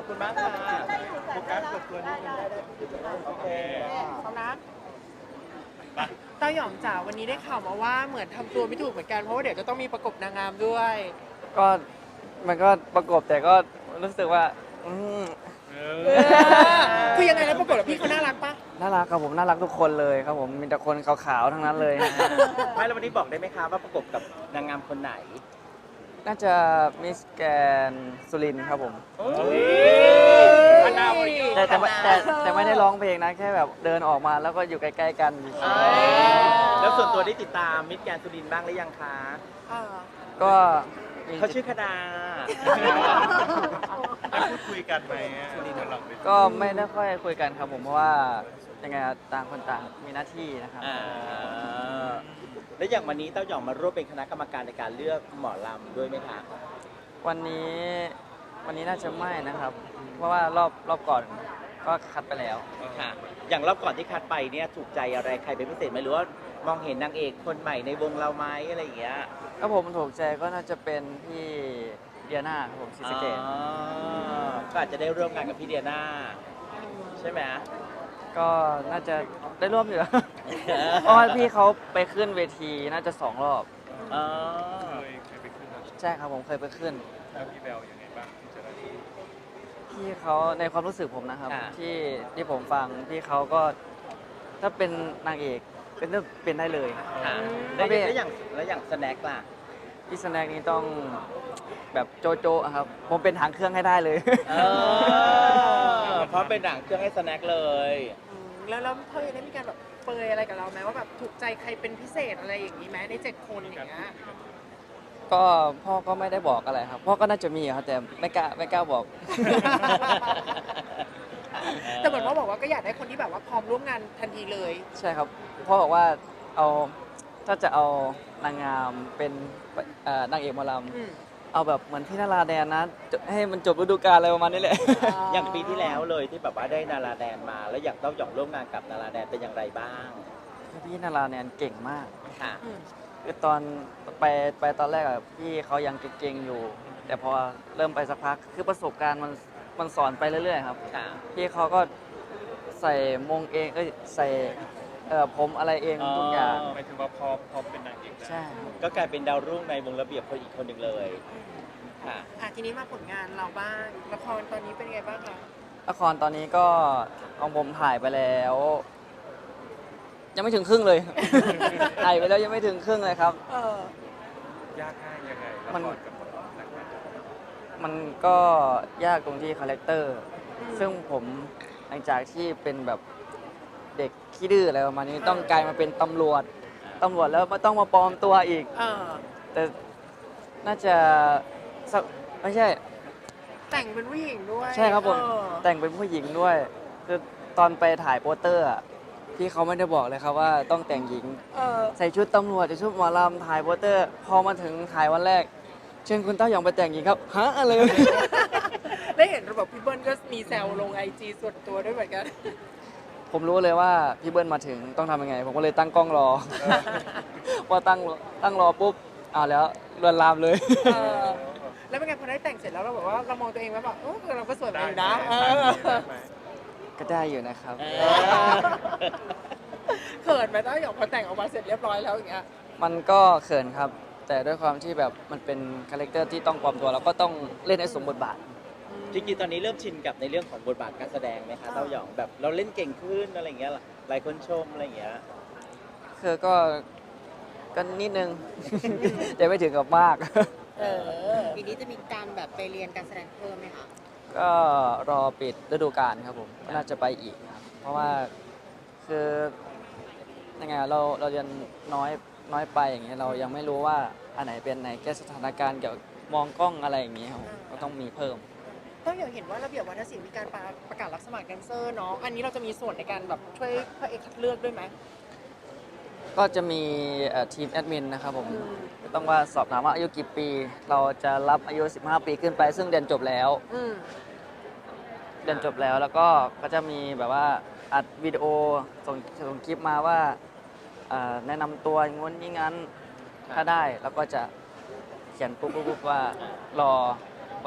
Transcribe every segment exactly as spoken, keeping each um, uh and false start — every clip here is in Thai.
อบคุณมากค่ะโฟกัสกดตัวนี้ได้ได้โอเคเอานะเต้าหยองจ๋าวันนี้ได้ข่าวมาว่าเหมือนทำตัวไม่ถูกเหมือนกันเพราะว่าเดี๋ยวจะต้องมีประกบนางงามด้วยก็มันก็ประกบแต่ก็รู้สึกว่าอืมคือยังไงแล้วประกบกับพี่เขาน่ารักปะน่ารักครับผมน่ารักทุกคนเลยครับผมมีแต่คนขาวๆทั้งนั้นเลยไม่แล้ววันนี้บอกได้ไหมคะว่าประกบกับนางงามคนไหนน่าจะมิสแกนสุรินทร์ครับผมอันดาวริแต่แต่แต่แต่ไม่ได้ร้องเพลงนะแค่แบบเดินออกมาแล้วก็อยู่ใกล้ๆกันเฉยแล้วส่วนตัวได้ติดตามมิตรแกรนด์สุรินทร์บ้างหรือยังคะอ่าๆก็มีเขาชื่อคดาได้พูดคุยกันไหมสุรินทร์เราเป็นก็ไม่ได้ค่อยคุยกันครับผมเพราะว่ายังไงอะต่างคนต่างมีหน้าที่นะครับอ่าแล้วอย่างวันนี้เต้าหย่องมาร่วมเป็นคณะกรรมการในการเลือกหมอลำด้วยไหมคะวันนี้วันนี้น่าจะไม่นะครับ เพราะว่ารอบรอบก่อนก็คัดไปแล้วค่ะ อย่างรอบก่อนที่คัดไปเนี่ยถูกใจอะไรใครเป็นพิเศษไหมหรือว่ามองเห็นนางเอกคนใหม่ในวงเราไหมอะไรอย่างเงี้ยก็ผมถูกใจก็น่าจะเป็นพี่เดียนาครับผมซิสเกตอ๋อก็อาจจะได้ร่วมงานกับพี่เดียนาใช่ไหมก็น่าจะได้ร่วมอยู่ เพราะว่าพี่เขาไปขึ้นเวทีน่าจะสองรอบอ๋อเคยเคยไปขึ้นแล้วใช่ครับผมเคยไปขึ้นแล้วพี่แบลยังไงบ้างที่เจอที่พี่เขาในความรู้สึกผมนะครับ ที่ที่ผมฟังพี่เขาก็ถ้าเป็นนางเอกเป็นเรื่องเป็นได้เลยค่ะแล้วแล้วอย่างแล้วอย่างสแน็คล่ะพี่สแน็คนี้ต้องแบบโจโจะครับ ผมเป็นหางเครื่องให้ได้เลยเออเพราะเป็นหนังเครื่องให้สแน็คเลยอืมแล้วแล้วเธอยังได้มีการแบบเปรยอะไรกับเราไหมว่าแบบถูกใจใครเป็นพิเศษอะไรอย่างนี้ไหมในเจ็ดคนอย่างเงี้ยก็พ่อก็ไม่ได้บอกอะไรครับ พ่อก็น่าจะมีครับแต่ไม่กล้าไม่กล้าบอกแต่เหมือนว่าบอกว่าก็อยากได้คนที่แบบว่าพร้อมร่วมงานทันทีเลยใช่ครับพ่อบอกว่าเอาถ้าจะเอานางงามเป็นเอ่อนางเอกหมอลอืมำเอาแบบเหมือนพี่นาราแดนนะจะให้มันจบฤดูกาลอะไรประมาณนี้แหละอย่างปีที่แล้วเลยที่แบบว่าได้นาราแดนมา แล้วอยากเต้าหย่องร่วมงานกับนาราแดนเป็นอย่างไรบ้างพี่นาราแดนเก่งมากค่ะอืมคือตอนไปไปตอนแรกอะพี่เขายังเก่งๆอยู่ แต่พอเริ่มไปสักพักคือประสบการณ์มันมันสอนไปเรื่อยๆครับค่ะพี่เขาก็ใส่มงเองเอ้ยใส่เอ่อผมอะไรเองทุกอย่างหมายถึงว่าพอพอเป็นนางเอกแล้วใช่ครับก็กลายเป็นดาวรุ่งในวงระเบียบคนอีกคนหนึ่งเลย ค่ะอ่ะทีนี้มาผลงานเราบ้างละครตอนนี้เป็นไงบ้างคะละครตอนนี้ก็ของผมถ่ายไปแล้ว ยังไม่ถึงครึ่งเลย ถ่ายไปแล้วยังไม่ถึงครึ่งเลยครับเออยากง่ายยังไงละมันครกับหมอลำหนังงานมันก็ยากตรงที่คาแรคเตอร์ ซึ่งผมหลังจากที่เป็นแบบเด็กขี้ดื้ออะไรประมาณนี้ต้องกลายมาเป็นตำรวจตำรวจแล้วไม่ต้องมาปลอมตัวอีกเออแต่น่าจะสักไม่ใช่แต่งเป็นผู้หญิงด้วยใช่ครับผมเออแต่งเป็นผู้หญิงด้วยคือตอนไปถ่ายโปสเตอร์อะพี่เขาไม่ได้บอกเลยครับว่าต้องแต่งหญิงเออใส่ชุดตำรวจใส่ชุดหมอลำถ่ายโปสเตอร์ พอมาถึงถ่ายวันแรก เชิญคุณเต้าหยองไปแต่งหญิงครับฮะอะไรได้เห็นระบบพี่เบิ้ลก็มีแซวลงไอจีส่วนตัวด้วยเหมือนกันผมรู้เลยว่าพี่เบิ้ลมาถึงต้องทำยังไง ผมก็เลยตั้งกล้องรอ พอตั้งตั้งรอปุ๊บอ้าวแล้วลวนลามเลยเออ แล้วเป็นไงพอได้แต่งเสร็จแล้วเราแบบว่าเรามองตัวเองแล้วแบบโอ้เราก็สวยเหมือนได้กันไหมนะเอได้อไหมก็ได้อยู่นะครับเอเขินไหมต้าหยองพอแต่งออกมาเสร็จเรียบร้อยแล้วอย่างเงี้ยมันก็เขินครับ แต่ด้วยความที่แบบมันเป็นคาแรคเตอร์ที่ต้องปลอมตัวเราก็ต้องเล่นให้สมบทบาทจริงๆตอนนี้เริ่มชินกับในเรื่องของบทบาทการแสดงไหมคะเต้าหย่องแบบเราเล่นเก่งขึ้นอะไรอย่างเงี้ยหลายคนชมอะไรอย่างเงี้ยคือก็ก็นิดนึง แต่ไม่ถึงกับมากเออปีนี้จะมีการแบบไปเรียนการแสดงเพิ่มไหมคะก็รอปิดฤดูกาลครับผมก็น่าจะไปอีกครับเพราะว่าคือยังไงอะเราเราเรียนน้อยน้อยไปอย่างเงี้ยเรายังไม่รู้ว่าอันไหนเป็นไหนแก้สถานการณ์เกี่ยวกับมองกล้องอะไรอย่างเงี้ยครับผมก็ต้องมีเพิ่มต้องอย่างเห็นว่าระเบียบวัฒนศิลป์มีการประประกาศรับสมัครแดนเซอร์เนาะ อันนี้เราจะมีส่วนในการแบบช่วยพระเอกคัดเลือกด้วยไหมก็จะมีเอ่อทีมแอดมินนะครับผมอืมต้องว่าสอบถามว่าอายุกี่ปี เราจะรับอายุ สิบห้า ปีขึ้นไปซึ่งเรียนจบแล้วอืมเรียนจบแล้วแล้วก็ก็จะมีแบบว่าอัดวิดีโอส่งส่งคลิปมาว่าเอ่อแนะนำตัวอย่างงู้นอย่างงั้นถ้าได้แล้วก็จะเขียนปุ๊บปุ๊บปุ๊บว่ารอวัน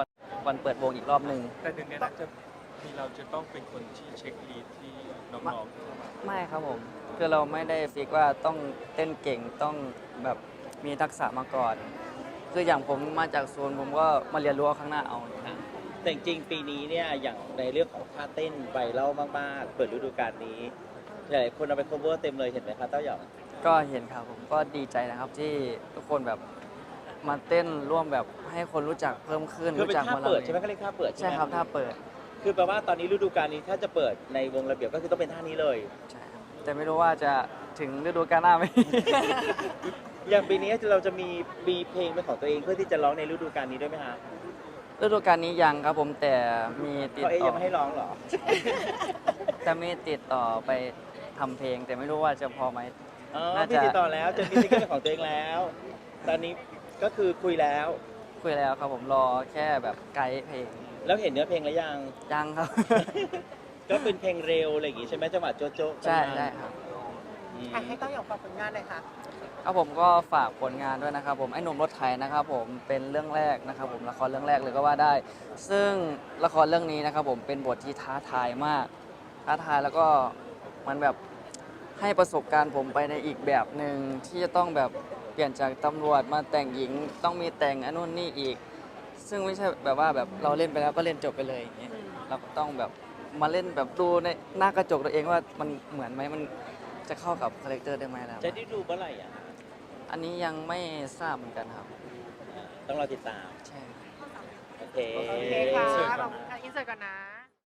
วันเปิดวงอีกรอบหนึ่งแต่หนึ่งในนั้นจะมีเราจะต้องเป็นคนที่เช็คลีดที่น้องๆเข้ามาไม่ครับผม คือเราไม่ได้ฟิกว่าต้องเต้นเก่งต้องแบบมีทักษะมาก่อน คืออย่างผมมาจากโซนผมก็มาเรียนรู้เอาข้างหน้าเอาแต่จริงๆปีนี้เนี่ยอย่างในเรื่องของท่าเต้นไวรัลมากๆ เปิดฤดูกาลนี้หลายคนเอาไป cover เต็มเลยเห็นไหมคะเต้าหยองก็เห็นครับผมก็ดีใจนะครับที่ทุกคนแบบมาเต้นร่วมแบบให้คนรู้จักเพิ่มขึ้นคือเป็นรู้จักท่ามาเปิดยใช่ไหมเขาเรียกท่าเปิดใช่ใช่ไหมครับถ้าเปิดคือแปลว่าตอนนี้ฤดูกาลนี้ถ้าจะเปิดในวงระเบียบก็คือต้องเป็นท่านี้เลยใช่ครับแต่ไม่รู้ว่าจะถึงฤดูกาลหน้าไหมอย่างปีนี้เราจะมีมีเพลงเป็นของตัวเองเพื่อที่จะร้องในฤดูกาลนี้ด้วยไหมคะฤดูกาลนี้ยังครับผมแต่มีติดเขาเอ๊ยต่ยัองไม่ให้ร้องเหรอแต่มีติดต่อไปทำเพลง แต่ไม่รู้ว่าจะพอไหมอ๋อน่าจะพี่ติดต่อแล้วจะมีซิงเกิลเป็นของตัวเองแล้ว ตอนนี้ก็คือคุยแล้วคุยแล้วครับผมรอแค่แบบไกด์เพลงแล้วเห็นเนื้อเพลงแล้วยังยังครับก็เป็นเพลงเร็วอะไรอย่างงี้ใช่ไหมจังหวะโจ๊ะโจ๊ะใช่ใช่ครับอืมอ่ะให้เต้าหยองฝากผลงานเลยค่ะครับผมก็ฝากผลงานด้วยนะครับผมไอ้หนุ่มรถไถนะครับผมเป็นเรื่องแรกนะครับผมละครเรื่องแรกเลยก็ว่าได้ ซึ่งละครเรื่องนี้นะครับผมเป็นบทที่ท้าทายมาก ท้าทายแล้วก็มันแบบให้ประสบการณ์ผมไปในอีกแบบหนึ่งที่จะต้องแบบเปลี่ยนจากตำรวจมาแต่งหญิงต้องมีแต่งอันนู้นนี่อีก ซึ่งไม่ใช่แบบว่าแบบเราเล่นไปแล้วก็เล่นจบไปเลยอย่างเงี้ยเราก็ต้องแบบมาเล่นแบบดูในหน้ากระจกตัวเองว่ามันเหมือนไหมมันจะเข้ากับคาแรคเตอร์ได้ไหมแล้วจะได้ดูเมื่อไหร่อ่ะอันนี้ยังไม่ทราบเหมือนกันครับต้องรอติดตามใช่โอเคโอเคค่ะขอบคุณค่ะอินเสิร์ตก่อนนะ